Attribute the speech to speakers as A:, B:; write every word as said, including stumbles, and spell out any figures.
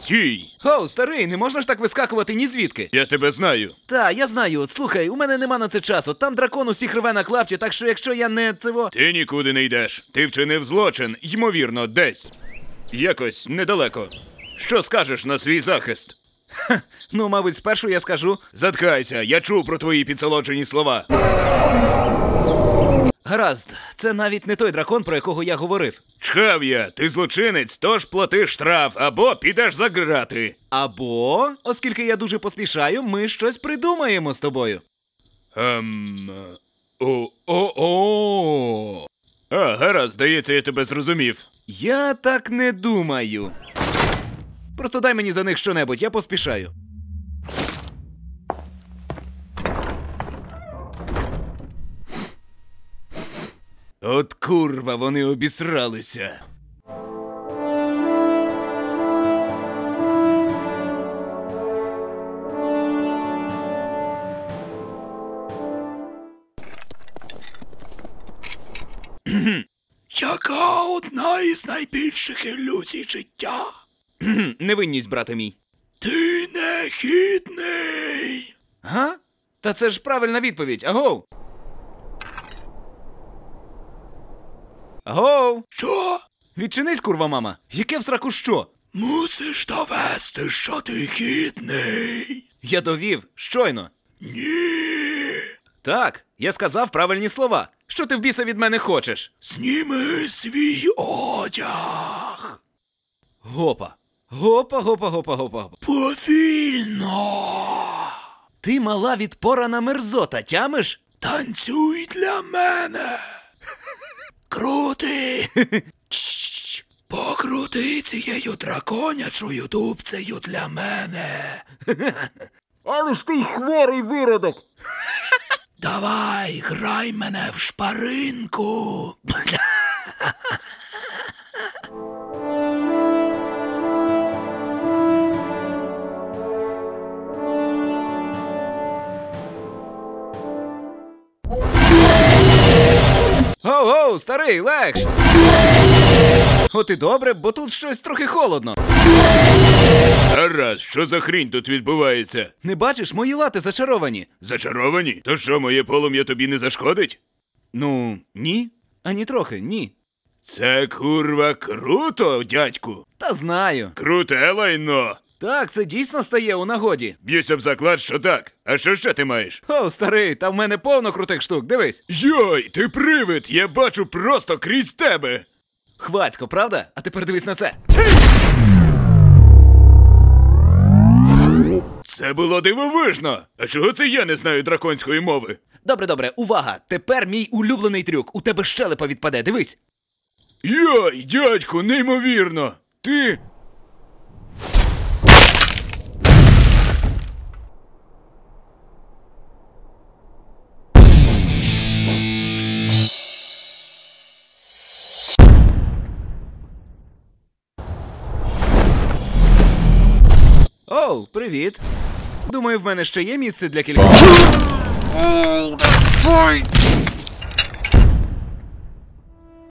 A: Стій!
B: Хоу, старий, не можна ж так вискакувати ні звідки.
A: Я тебе знаю.
B: Та, я знаю. От, слухай, у мене нема на це часу. Там дракон усіх рве на клапті, так що якщо я не цього...
A: Ти нікуди не йдеш. Ти вчинив злочин, ймовірно, десь. Якось недалеко. Що скажеш на свій захист?
B: Ха, ну, мабуть, спершу я скажу...
A: Заткайся, я чув про твої підсолоджені слова.
B: Гаразд, це навіть не той дракон, про якого я говорив.
A: Чхав я, ти злочинець, тож плати штраф, або підеш за грати.
B: Або, оскільки я дуже поспішаю, ми щось придумаємо з тобою.
A: Ем... О-о-о! А, гаразд, здається, я тебе зрозумів.
B: Я так не думаю. Просто дай мені за них щонебудь, я поспішаю.
A: От курва, вони обісралися.
C: Яка одна із найбільших ілюзій життя?
B: Невинність, брате мій.
C: Ти негідний.
B: Га? Та це ж правильна відповідь, агов! Агов!
C: Що?
B: Відчинись, курва мама! Яке в сраку що?
C: Мусиш довести, що ти гідний.
B: Я довів, щойно.
C: Ні.
B: Так, я сказав правильні слова. Що ти в біса від мене хочеш?
C: Зніми свій одяг.
B: Гопа. Гопа, гопа, гопа, гопа.
C: Повільно.
B: Ти мала відпорана мерзота, тямиш?
C: Танцюй для мене. Крути. Чш. Покрути цією драконячою дубцею для мене.
B: Але ж ти хворий виродок.
C: Давай, грай мене в шпаринку.
B: Гоу-гоу, старий, легш! От і добре, бо тут щось трохи холодно.
A: Гаразд, що за хрінь тут відбувається?
B: Не бачиш, мої лати зачаровані.
A: Зачаровані? То що, моє полум'я тобі не зашкодить?
B: Ну, ні. Ані трохи, ні.
A: Це, курва, круто, дядьку.
B: Та знаю.
A: Круте лайно.
B: Так, це дійсно стає у нагоді.
A: Б'юсь об заклад, що так. А що ще ти маєш?
B: О, старий, та в мене повно крутих штук, дивись.
A: Йой, ти привид, я бачу просто крізь тебе.
B: Хвацько, правда? А тепер дивись на це.
A: Це було дивовижно. А чого це я не знаю драконської мови?
B: Добре, добре, увага. Тепер мій улюблений трюк. У тебе щелепа відпаде, дивись.
A: Йой, дядьку, неймовірно. Ти...
B: Оу, привіт. Думаю, в мене ще є місце для кількох.